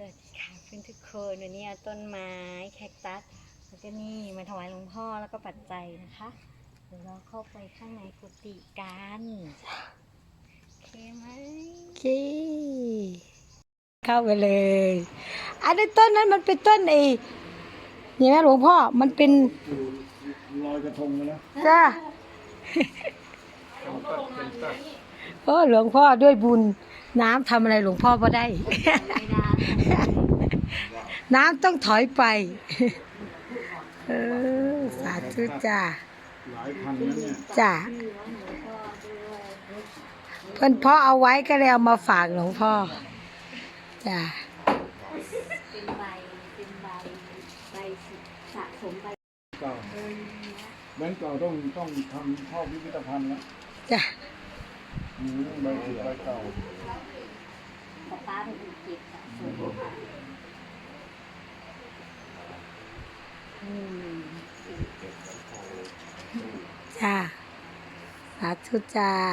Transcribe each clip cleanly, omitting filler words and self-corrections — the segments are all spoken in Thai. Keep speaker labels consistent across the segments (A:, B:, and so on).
A: วัสดีค่ะเพื่อนทุกคนวันนี้เอาต้นไม้แคคตัสแล้วก็นี่มาถวายหลวงพ่อแล้วก็ปัจจัยนะคะเดี๋ยวเราเข้าไปข้างในกุฏิกันโอเคไหม
B: โอเคเข้าไปเลย อันนี้ต้นนั้นมันเป็นต้นนี่ไหมหลวงพ่อมันเป็น
C: ลอยกระทงนะ
B: จ้าโอ้หลวงพ่อด้วยบุญน้ำทำอะไรหลวงพ่อบ่ได้
A: ไม่ได้
B: น้ำต้องถอยไปสาธุจ้า
C: หลายพันนะเนี่ย
B: จ้าเพิ่นพ่อเอาไว้ก็เลยเอามาฝากหลวงพ่อจ้า
A: เป็นใบสะสมใบ
C: เก่าแบงก์เก่าต้องทำเข้าพิพิธภัณฑ์แล้ว
B: จ้า
C: ใบเสือใบเก่า
A: ป้าเป็นคนเก็บสะสม
B: จ้าสาธุจ้า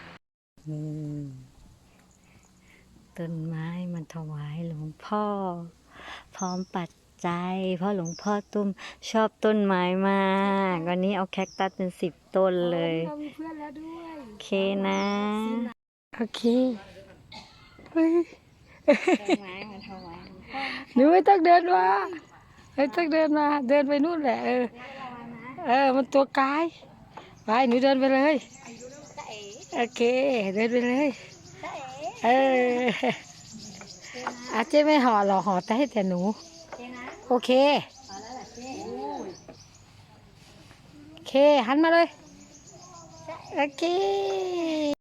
B: ต้นไม้มันถวายหลวงพ่อพร้อมปัจจัยเพราะหลวงพ่อตุ้มชอบต้นไม้มากวันนี้เอาแคคตัสเป็น10 ต้นเลยโอเคนะโอเค
A: ต้นไม้มาถวายหลวงพ่อ
B: หนูไม่ต้องเดินมาไม่ต้องเดินมาเดินไปนู่นแหละมันตัวกายไปหนูเดินไปเลยโอเคเดินไปเลยอาเจ๊ไม่ห่อหรอกห่อแต่ให้แต่หนูโอเคโอเคหันมาเลยโอเค